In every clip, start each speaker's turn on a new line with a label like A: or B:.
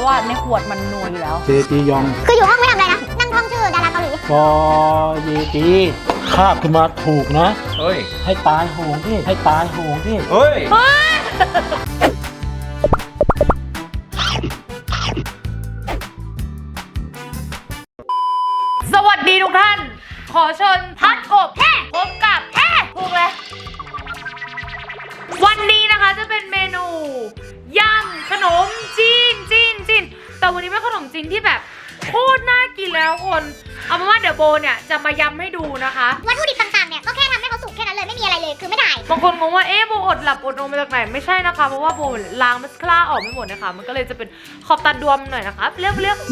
A: ว่าในขวดมันนัวอยู่แล้ว
B: เจจียอง
C: คืออยู่ห้องไม่ทำอะไรนะนั่งท่องชื่อดาราเกาหลี
B: กอเยจีคาบขึ้นมาถูกนะ
D: เฮ้ย
B: ให้ตายโหงที่ให้ตายโหงที่
D: เฮ้ย
A: สวัสดีทุกท่านขอเชิญพัดกบแท้พบกับแท้ถูกเลยวันนี้นะคะจะเป็นเมนูยำขนมจีนแต่วันนี้เป็นขนมจีนที่แบบโคตรน่ากินแล้วคนเอาเป็นว่าเดี๋ยวโบเนี่ยจะมายำให้ดูนะคะ
C: วัตถุดิบต่างๆเนี่ยก็แค่ทำให้เขาสุกแค่นั้นเลยไม่มีอะไรเลยคือไม่ได้
A: บางคนงงว่าโบอดหลับอดนอนมาจากไหนไม่ใช่นะคะเพราะว่าโบล้างมัสคาร่าออกไม่หมดนะคะมันก็เลยจะเป็นขอบตาดวมหน่อยนะคะเรียก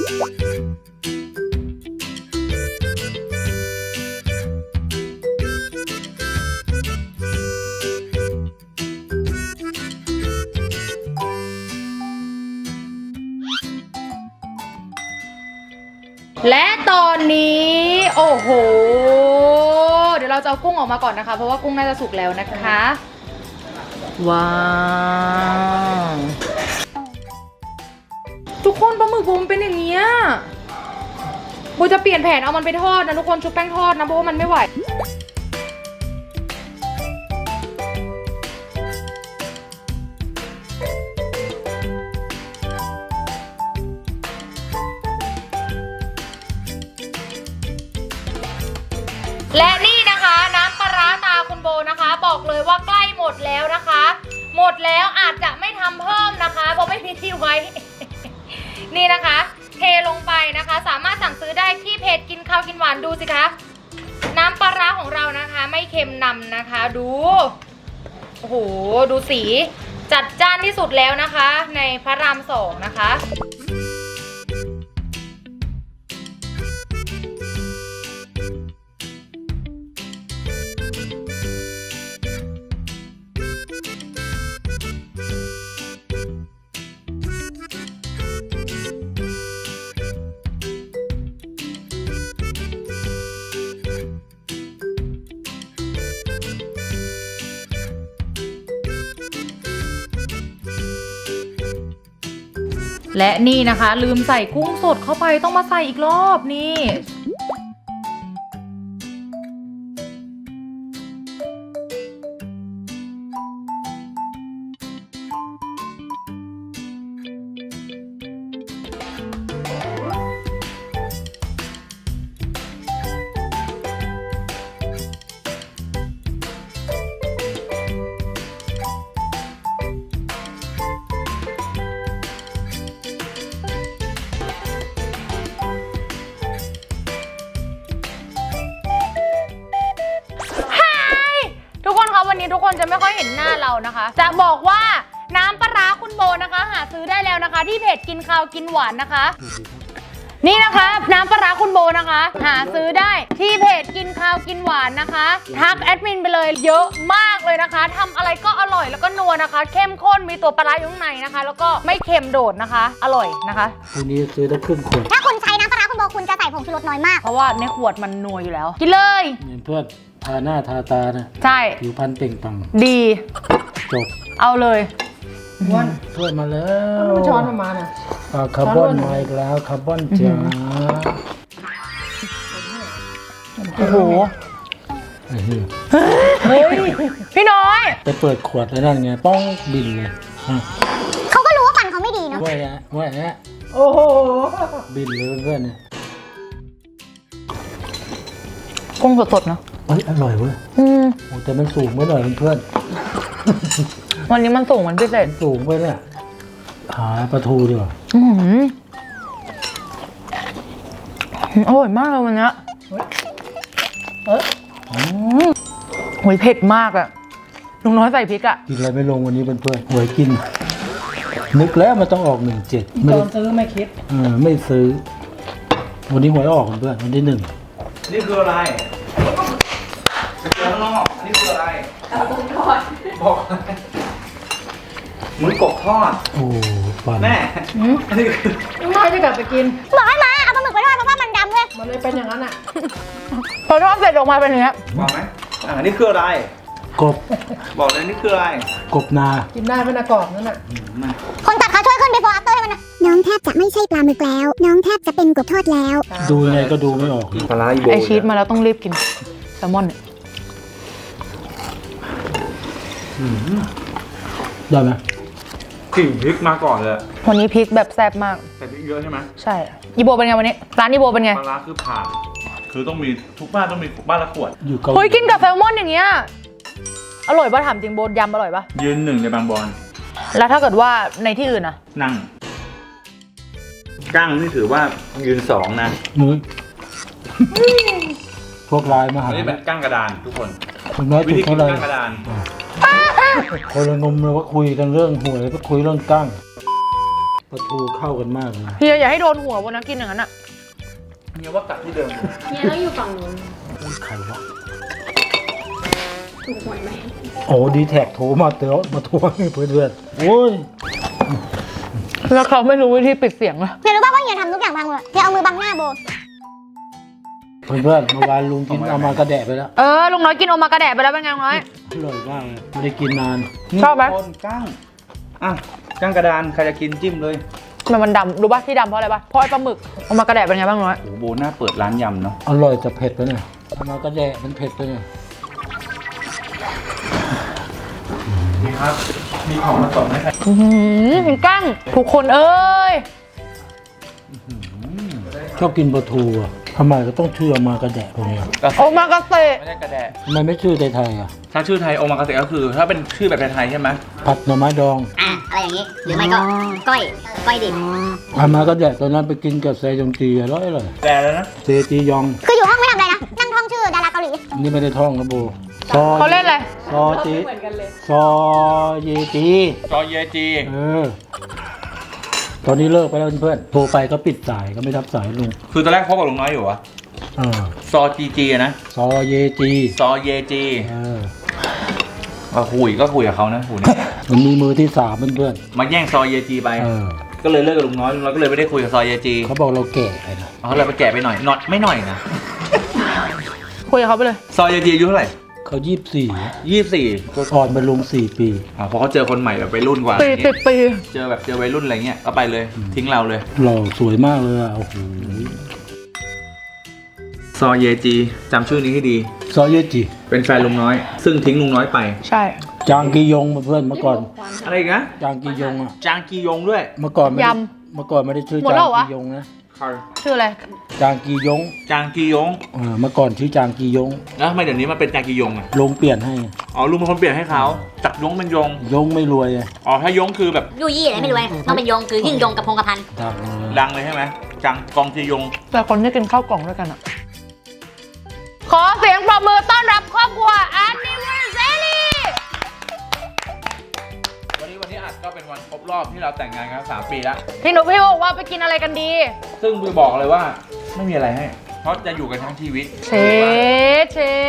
A: และตอนนี้โอ้โหเดี๋ยวเราจะเอากุ้งออกมาก่อนนะคะเพราะว่ากุ้งน่าจะสุกแล้วนะคะว้าวทุกคนปลาหมึกบูมเป็นอย่างเงี้ยบูจะเปลี่ยนแผนเอามันไปทอดนะทุกคนชุบแป้งทอดนะเพราะว่ามันไม่ไหวและนี่นะคะน้ำปลาร้าตาคุณโบนะคะบอกเลยว่าใกล้หมดแล้วนะคะหมดแล้วอาจจะไม่ทำเพิ่มนะคะเพราะไม่มีที่ไว้ นี่นะคะเทลงไปนะคะสามารถสั่งซื้อได้ที่เพจกินข้าวกินหวานดูสิคะน้ำปลาร้าของเรานะคะไม่เค็มนำนะคะดูโอ้โหดูสีจัดจ้านที่สุดแล้วนะคะในพระราม2นะคะและนี่นะคะลืมใส่กุ้งสดเข้าไปต้องมาใส่อีกรอบนี่วันนี้ทุกคนจะไม่ค่อยเห็นหน้าเรานะคะจะบอกว่าน้ำปลาร้าคุณโบนะคะหาซื้อได้แล้วนะคะที่เพจกินข้าวกินหวานนะคะนี่นะคะน้ำปลาร้าคุณโบนะคะหาซื้อได้ที่เพจกินข้าวกินหวานนะคะทักแอดมินไปเลยเยอะมากเลยนะคะทำอะไรก็อร่อยแล้วก็นัวนะคะเข้มข้นมีตัวปลาร้าอยู่ข้างในนะคะแล้วก็ไม่เค็มโดดนะคะอร่อยนะคะ
B: วันนี้ซื้อได้ครึ่งขวด
C: ถ้าคุณใช้น้ำปลาร้าคุณโบคุณจะใส่ผงชูรสน้อยมาก
A: เพราะว่าในขวดมันนัวอยู่แล้วกินเลย
B: เพื่อนทาหน้าทาตานะ
A: ใช่
B: ผิวพรรณเปล่งปลั่ง
A: ดี
B: จบ
A: เอาเลย
B: วันเพื่อนมาแล้ว
E: ช้อนมาน่ะ
B: คาร์บอนมาอีกแล้วคาร์บอนจ๋า
A: โอ้โห
B: เ
A: ฮ้ยพี่น้อย
B: ไปเปิดขวดแล้วนั่นไงป้องบินเลย
C: เขาก็รู้ว่าฟันเขาไม่ดีเนาะ
B: ว่าแอะ
E: โอ้โห
B: บินเลยเพื่อนเนี่ย
A: กุ้งสดๆเนาะ
B: อร่อยเว้ยโอ้แต่มันสูงไปหน่อยเพื่อน
A: วันนี้มันสูงมันพิเศษ
B: สูงไปเนี่ยหาปลาทูดีกว่า
A: อร่อยมากเลยวันนี้โหยเผ็ดมากอะลุงน้อยใส่พริกอะ
B: กินอะไรไม่ลงวันนี้เพื่อนหวยกินนึกแล้วมันต้องออก17
E: ตอนซื้อไม่คิด
B: ไม่ซื้อวันนี้หวยออกเพื่อนวันที่1
D: นี่คืออะไรข้างนอกนี่คืออะไรบอกหมูกบทอด
B: โอ้ฟัน
D: แม่อันนี้คือ
E: ลุงน้อยจะกลับไปกิน
C: บอกให้มาเอาปลาหมึกไปทอดเพราะว่ามันดำเลย
E: มันเลยเป็นอย่างนั้นอ่ะ
A: พอทอดเสร็จออกมาเป็นอย่างนี้
D: บอกไหมนี่คืออะไร
B: กบ
D: บอกเลยนี่คืออะไร
B: กบนา
E: กินได้เป็นกรอบนั่นน่ะ
C: คนตัดเขาช่วยขึ้น before after ให้มันนะน้องแท้บจะไม่ใช่ปลาหมึกแล้ว น้องแทบจะเป็นกบทอดแล้ว
B: ดูยังไงก็ดูไม่ออก
D: ปลาร้าอีโบ
A: ไอชีสมาแล้วต้องรีบกินแซลมอนเนี่ย
B: ได้ไหม
D: กลิ่นพริกมาก่อนเลย
A: วันนี้พริกแบบแซ่บมาก
D: แต่พริกเยอะใช่ไหม
A: ใช่อีโบเป็นไงวันนี้ร้านอีโบเป็นไง
D: ปลาร้าคือผ่านคือต้องมีทุกบ้านต้องมีบ้านละขวด
B: อยู่เกาห
A: เฮ้ย
B: ลี
A: กินกับแซลมอนอย่างเงี้ยอร่อยป่ะถามจริงโบยำอร่อยป่ะ
D: ยืนหนึ่งในบางบอน
A: แล้วถ้าเกิดว่าในที่อื่นอะ
D: นั่งกั้งนี่ถือว่ายืนสองนะ
B: นุ้ยพวกลายมาหา
D: อันนี้เป็นกั้งกระดานทุกคน
B: คุณน้อย
D: วิ
B: ถู
D: ธี
B: ก
D: กิน
B: เท่าไหร่
D: กั้งกระดาน
B: คนละนมเลยว่าคุยกันเรื่องหวยก็คุยเรื่องกั้งปลาทูเข้ากันมากเลย
A: เฮียอย่าให้โดนหัววันนะกินอย่างนั้นอะ
D: เนี่ยว่ากัดที่เดิม
E: เนี่ยต้องอยู่ฝั่งนู้น
B: ใครวะ
E: ถูกหวยไหม
B: โอ้ดีแท็กโทรมาเต๋อมาทวงให้เพื่อนๆโอ้ย
A: แล้วเขาไม่รู้วิธีปิดเสียงอะ
C: เฮียรู้ป่าวว่าเฮียทำทุกอย่างพังหมดเฮียเอามือบังหน้าโบ
B: เพื่อนๆเมื่อวานลุงกินเอามากระแดะไปแล้ว
A: ลุงน้อยกินโอมากระแดะไปแล้วเป็นไงลุงน้อย
B: อร่อยมากเลยไม่ได้กินนาน
A: ชอบไหม
D: คนกั้งอ่ะกั้งกระดานใครจะกินจิ้มเลย
A: ทำไมมันดำรู้ป่ะที่ดำเพราะอะไรป่ะเพราะไอ้ปลาหมึกโอมากระแดะเป็นไงบ้างลุงน้อย
D: โอ้โหโบน่าเปิดร้านยำเนาะ
B: อร่อยแต่เผ็ดไปหน่อยเอามากระแดะมันเผ็ดไปหน่อย
D: นี่ครับ มีของมาส่งให้ใคร
A: กั้งทุกคนเอ้ย
B: ชอบกินปลาทูอ่ะทำไมก็ต้องชื่อเอามากระแดะพวกเนี้ย
A: โอมากาเสะ
D: ไม่ได้กระแดะ
B: ทำไมไม่ชื่อไทยๆอ่ะ
D: ถ้าชื่อไทยโอมากาเสะก็คือ ถ้าเป็นชื่อแบบไทยๆใช่ไหม
B: ผัดหน่อไม้ดอง
C: อะไรอย่างนี้ หรือไม่ก็ก้อยดิบ
B: เอามากระแดะตอนนั้นไปกินกับเซยองจีอร่อยเลย
D: แต่แล้วนะ
B: เซจียอง
C: คืออยู่ห้องไม่ทำอะไรนะ นั่งท่องชื่อดาราเกาหลี
B: นี่ไม่ได้ท่องนะโบซอ
A: เขาเล่นอะไร
B: ซอจี
E: เหมือนกันเลย
B: ซอเยจี
D: จอเยจี
B: ตอนนี้เลิกไปแล้วเพื่อนๆโทรไปก็ปิดสายก็ไม่รับสายลุง
D: คือตอนแรกพบกับลุงน้อยอยู่อะ
B: เออ
D: ซอจีจีนะ
B: ซอเยจี
D: ซอเยจี
B: เออ
D: คุยกับเขานะคุย
B: มันมีมือที่สามเพื่อน
D: มาแย่งซอเยจีไป
B: ๆเออ
D: ก็เลยเลิกกับลุงน้อยก็เลยไม่ได้คุยกับซอเยจี
B: เขาบอกเราแก่ไปนะ
D: เขาเลยไปแก่ไปหน่อยนอตไม่หน่อยนะ
A: คุยกับเขาไปเลย
D: ซอเยจีอายุเท่าไหร่
B: เขา24
D: 24
B: อ่อนเป็นลุง4 ปี
D: พอเขาเจอคนใหม่แบบวัยรุ่นกว่า
A: ปี 10 ปี
D: เจอวัยรุ่นอะไรเงี้ยก็ไปเลยทิ้งเราเลย
B: หล่อสวยมากเลยอ่ะโอ้โห
D: ซอเยจีจำชื่อนี้ให้ดี
B: ซอเยจี
D: เป็นแฟนลุงน้อย ซึ่งทิ้งลุงน้อยไป
A: ใช่
B: จางกียงเพื่อนๆเมื่อก่อน
D: อะไรอีกนะ
B: จางกียงอ่ะ
D: จางกียงด้วย
B: เมื่อก่อนไม่ได้
A: ย
B: เมื่อก่อนไม่ได้ชื่อ
A: หมด
B: จา
A: แล้
B: ง
A: วเหรอวะ
B: กียงนะ
A: ชื่ออะไร
B: จางกียง
D: จางกียง
B: เมื่อก่อนชื่อจางกียง
D: แล้วทำไมเดี๋ยวนี้มันเป็นจางกียงอ่ะ
B: ลุงเปลี่ยนให้
D: อ๋อลุงเป็นคนเปลี่ยนให้เขาจากยงเป็นยง
B: ยงไม่รวยอะ
D: อ๋อถ้ายงคือแบบ
C: ยู่ยี่อะไรไม่รู้เลยต้องเป็นยงคือยิ่งยงกับพงกระพัน
B: ดังเลย
D: ดังเลยใช่ไหมจังกองจียง
A: แต่คนที่กินข้าวกล่องด้วยกันอะขอเสียงปรบมือต้อนรับครอบครัว Anniversary
D: วันนี้อัดก็เป็นวันครบรอบที่เราแต่งงานกัน3 ปีแล้ว
A: พี่หนูพี่บอกว่าไปกินอะไรกันดี
D: ซึ่งบิวบอกเลยว่าไม่มีอะไรให้ เพราะจะอยู่กันทั้งชีวิต
A: เชด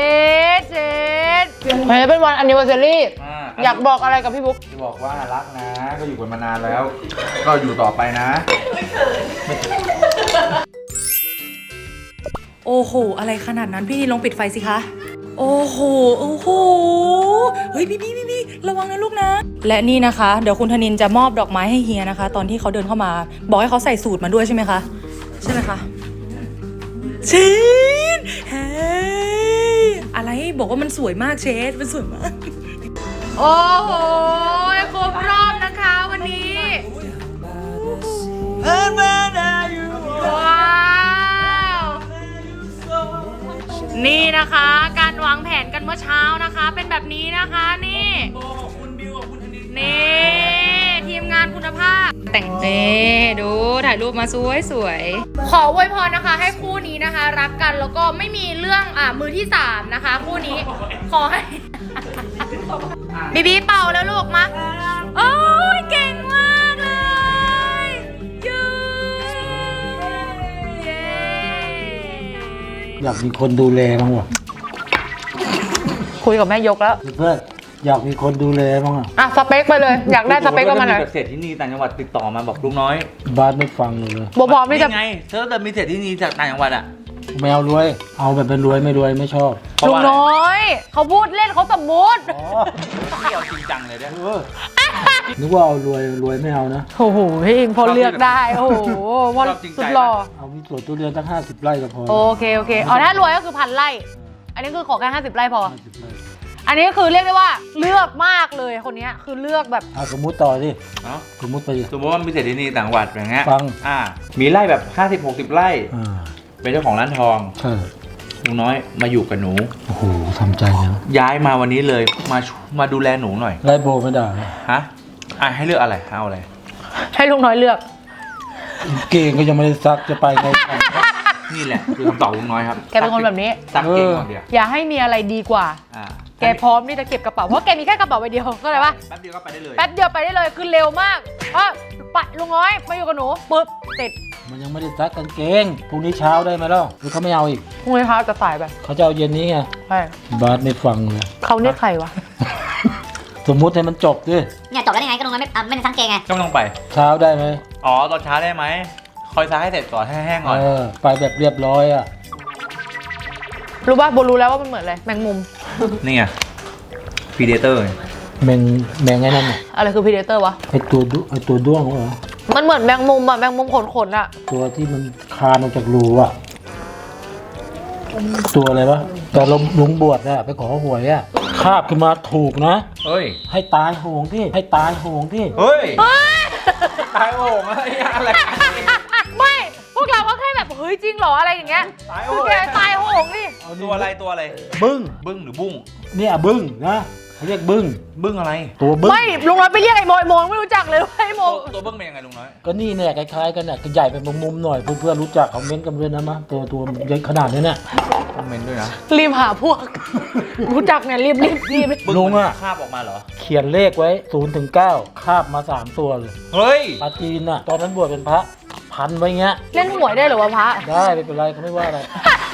A: วันนี้เป็นวัน Anniversary อยากบอกอะไรกับพี่บุ๊ก
D: จะบอกว่ารักนะ ก็อยู่กันมานานแล้ว ก็อยู่ต่อไปนะ
F: โอ้โห อะไรขนาดนั้นพี่ลองปิดไฟสิคะ โอ้โห โอ้โห เฮ้ยพี่ระวังนะลูกนะ และนี่นะคะ เดี๋ยวคุณธนินจะมอบดอกไม้ให้เฮียนะคะ ตอนที่เขาเดินเข้ามา บอกให้เขาใส่สูตรมาด้วยใช่ไหมคะ ใช่ไหมคะเชดเฮ้ยอะไรบอกว่ามันสวยมากเชดมันสวยมาก
A: โอ้โหครบรอบนะคะวันนี้ ว้าว นี่นะคะ การวางแผนกันเมื่อเช้านะคะ เป็นแบบนี้นะคะนี่นี่ทีมงานคุณภาพ แต่งเจดูถ่ายรูปมาสวยขออวยพรนะคะ ให้คู่นี้นะคะ รักกันแล้วก็ไม่มีเรื่องมือที่3นะคะ คู่นี้ขอให้ บีเป่าแล้วลูกมาโอ้ยเก่งมากเลยยูเย้
B: อยากมีคนดูแลบ้างวะ
A: คุยกับแม่ยกแล้ว
B: เพื่อนๆอยากมีคนดูแลบ้างอ่ะ
A: อ่ะสเปคไปเลย อยากได้สเปคก็มาหน่อย
D: แบบเศรษฐีนีต่างจังหวัดติดต่อมาบอกลุงน้อย
B: บ้านไม่ฟังเลย
A: บพร้อมที่จะ
D: นี่ไงเธอแต่มีเศรษฐีนีจากต่างจังหวัดอ่ะ
B: ไม่เอารวย เอาแบบเป็นรวยไม่รวยไม่ชอบ
A: ลุงน้อยเขาพูดเล่นเขาสมมุติ
B: อ๋อ
D: ไม่เอาจริงจังเลยเนี่ย
B: นึกว่าเอารวยรวยไม่เอานะ
A: โอ้โหพี่อิงพอเลือกได้โอ้โหพอ
D: ชอบจริงใจ
A: สุดหล่อ
B: เอามีสวนทุเรียนตั้ง50 ไร่ก็พอ
A: โอเคเอาถ้ารวยก็คือ1,000 ไร่ อันนี้คือขอแค่50 ไร่พอ
B: 50 ไร่
A: อันนี้คือเรียกได้ว่าเลือกมากเลยคนเนี้ยคือเลือกแบบ
B: เอาสมมุติต่อสิ
D: เนาะ
B: สมมุติไปดิ
D: สมมติว่ามีเศรษฐีนีต่างจังหวัดอย่างเงี้ย
B: ฟัง
D: มีไร่แบบ50-60 ไร่
B: อ่า
D: เป็นเจ้าของร้านทอง
B: ใช่
D: ลุงน้อยมาอยู่กับหนู
B: โอ้โหทำใจนะ
D: ย้ายมาวันนี้เลยมาดูแลหนูหน่อย
B: ไล่โบไม่ได้นะ
D: ฮะให้เลือกอะไรเอาอะไร
A: ให้ลุงน้อยเลือก
B: เก่งก็ยังไม่ได้ซักจะไปไง
D: นี่แหละคือคำตอบลุงน้อยครับ
A: แกเป็นคนแบบนี้
D: ซักเก่งก่อนเดียว
A: อย่าให้มีอะไรดีกว่า แกพร้อมที่จะเก็บกระเป๋าเพราะแกมีแค่กระเป๋าใบเดียวก็เลยว่า
D: แป๊บเดียวก็ไปได้เลย
A: แป๊บเดียวไปได้เลยคือเร็วมากเพราะไปลุงน้อยมาอยู่กับหนูปึ๊บติด
B: มันยังไม่ได้ซักกางเกงพรุ่งนี้เช้าได้ไหมล่ะหรือเขาไม่เอาอีก
A: พรุ่งนี้เช้าจะสายไป
B: เขาจะเอาเย็นนี้ไง
A: ใช่
B: บาสไม่ฟังเลย
A: เขาเนี่ยใครวะ
B: สมมุติให้มันจบดิ
C: เนี่ยจบแล้วยังไงก็ลงมาไม่ได้ซักเกงไง
D: ก็ไม่ต้องไป
B: เช้าได้ไหม
D: อ๋อตอนเช้าได้ไหมคอยซักให้เสร็จก่อนให้แห้งก่อน
B: ไปแบบเรียบร้อยอ่ะ
A: รู้ป่ะโบรู้แล้วว่ามันเหมือนอะไรแมงมุม
D: นี่ไงพีเดเตอร์
B: แมงไอ้นั่นน่ะ
A: อะไรคือพีเดเตอร์วะ
B: ไอตัวด้วงเหรอ
A: มันเหมือนแมงมุมอะแมงมุมขนๆอะ
B: ตัวที่มันคานออกจากรูอ่ะตัวอะไรวะแต่ลุงบวชอะไปขอหวยอะคาบขึ้นมาถูกนะ
D: เฮ้ย
B: ให้ตายโหงที่ให้ตายโหงที่
D: เฮ้ยตายโอ่งอะไร
A: ไม่พวกเราก็แค่แบบเฮ้ยจริงเหรออะไรอย่างเงี้ย
D: ตาย
A: คื
D: โอ่
A: อง แกตายโหงดิ
D: ตัวอะไรตัวอะไร
B: บึ้ง
D: บึ้งหรือบุ้ง
B: เนี่ยบึ้งนะเขาเรียกบึ้ง
D: บึ้งอะไร
B: ตัวบึ้ง
A: ไม่ลุงน้อยไปเรียกไอ้โมไม่รู้จักเลยว่าไอ้โม
D: ตัวบึ้งเป็นยังไงลุงน้อย
B: ก็นี่เนี่ยคล้ายๆกันเนี่ยก็ใหญ่เป็นมุมๆหน่อยเพื่อนๆรู้จักคอมเมนต์กันด้วยนะมะตัวใหญ่ขนาดนี้เนี่ย
D: คอมเมนต์ด้วยนะ
A: รีบหาพวก รู้จักเนี่ยรีบ
D: บึ้ง
B: ลุงอะ
D: มันคาบออกมาเหรอ
B: เขียนเลขไว้0 ถึง 9คาบมา3ตัวเลย
D: เฮ้ย
B: ปลาจีนน่ะตอนนั้นบวชเป็นพระพันไว้เงี้ย
A: เล่นหวยได้เหรอวะพระ
B: ได้ไม่เป็นไรเขาไม่ว่าอะไร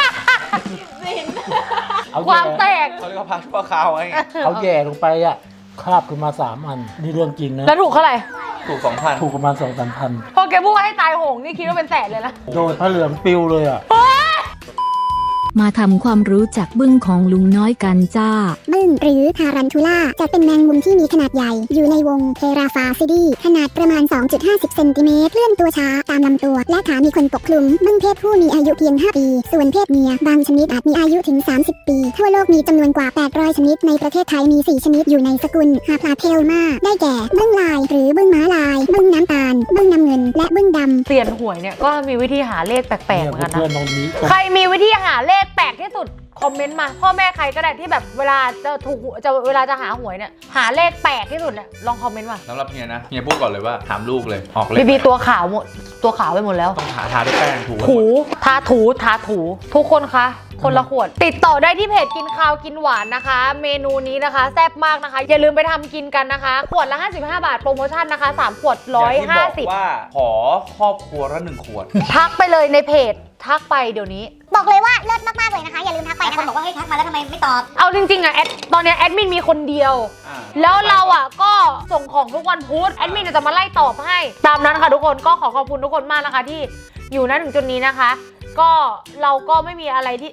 B: เอา
A: ความแต
B: แย่
A: ก
D: เขาเรียกว่าพาชั่วคราวไง
B: เอาแย่ลงไปอ่ะคาบขึ้นมา3 อันนี่เรื่องจริงนะ
A: แล้วถูกเท่าไหร่
D: ถูก 2,000
B: ถูกประมาณ2-3 พัน
A: พอแกพูดว่าให้ตายโหงนี่คิดว่าเป็นแสนเลยนะ
B: โดยพระเหลืองปิวเลยอ่ะ
G: มาทำความรู้จักบึ้งของลุงน้อยกันจ้า
C: บึ้งหรือทารันทูล่าจะเป็นแมงมุมที่มีขนาดใหญ่ อยู่ในวงเทราฟาซิดีขนาดประมาณ 2.50 เซนติเมตรเคลื่อนตัวช้าตามลำตัว และขามีขนปกคลุม บึ้งเพศผู้มีอายุเพียง 5 ปี ส่วนเพศเมียบางชนิดอาจมีอายุถึง 30 ปี ทั่วโลกมีจำนวนกว่า 800 ชนิด ในประเทศไทยมี 4 ชนิดอยู่ในสกุลฮาพลาเทลมาได้แก่ บึ้งลาย หรือบึ้งม้าลาย บึ้งน้ำตาล บึ้งน้ำเงิน และบึ้งดำ
A: เปลี่ยนหวยเนี่ยก็มีวิธีหาเลขแปลกๆเหมือนกัน
B: เพื่อ
A: นะ
B: นๆตรงนี้
A: ใครมีวิธีหาเลขแปลกที่สุดคอมเมนต์มาพ่อแม่ใครก็ได้ที่แบบเวลาจะถูกเวลาจะหาหวยเนี่ยหาเลขแปลกที่สุดเนี่ยลองคอมเมนต์มา
D: สำหรับเฮียนะเฮียพูดก่อนเลยว่าถามลูกเลยออกเล
A: บี
D: ย
A: บีตัวขาวหมดตัวขาวไปหมดแล้ว
D: ต้องทาด้วยแป้งถู
A: ถูทาถูทุกคนคะคนละขวด ติดต่อได้ที่เพจกินข้าวกินหวานนะคะ เมนูนี้นะคะแซ่บมากนะคะ อย่าลืมไปทำกินกันนะคะ ขวดละ 55 บาทโปรโมชั่นนะคะ3ขวด
D: อย่างที่บอก
A: 150
D: ว่าขอครอบครัวละ1 ขวด
A: ทักไปเลยในเพจทักไปเดี๋ยวนี้
C: บอกเลยว่าเลิศมากๆเลยนะคะ อย่าลืมทักไปนะคะคนบอกว่าเฮ้ยทักมาแล้วทำไมไม่ตอบ
A: เอาจริงๆอะตอนเนี้ยแอดมินมีคนเดียว แล้วเราอ่ะก็ส่งของทุกวันพุธแอดมินจะมาไล่ตอบให้ ตามนั้นค่ะทุกคนก็ขอขอบคุณทุกคนมากนะคะที่อยู่ณถึงจุดนี้นะคะ ก็เราก็ไม่มีอะไรที่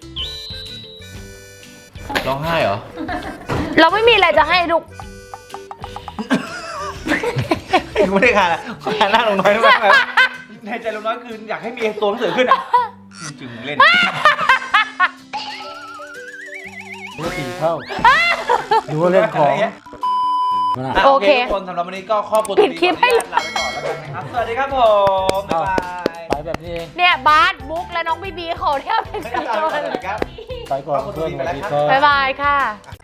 D: ร้องไห้เหรอ
A: เราไม่มีอะไรจะให้ทุก
D: ไม่ได้ค่ะหน้าลุงน้อยมากเลยในใจลุงน้อยคืออยากให้มีตัวหนังสือขึ้นอ่ะจึงเล่น
B: เมื่อ4 เท่าดูว่าเล่นของ
A: โอเค
D: ทุกคนสำหรับวันนี้ก็ครอบครัว
A: ปิดคลิปให้
D: ลาไปก่อนแล้วกันนะครับ สวัสดีครับผมบ๊ายบาย
B: ไปแบบนี้เอง
A: เนี่ยบาสบุ๊กและน้องบีบีขอเที่ยวเป็นกัน
D: สวัสดีครับ
B: ไปก่อนเพื่อนสวัสดีครับ
A: บ๊ายบายค่ะ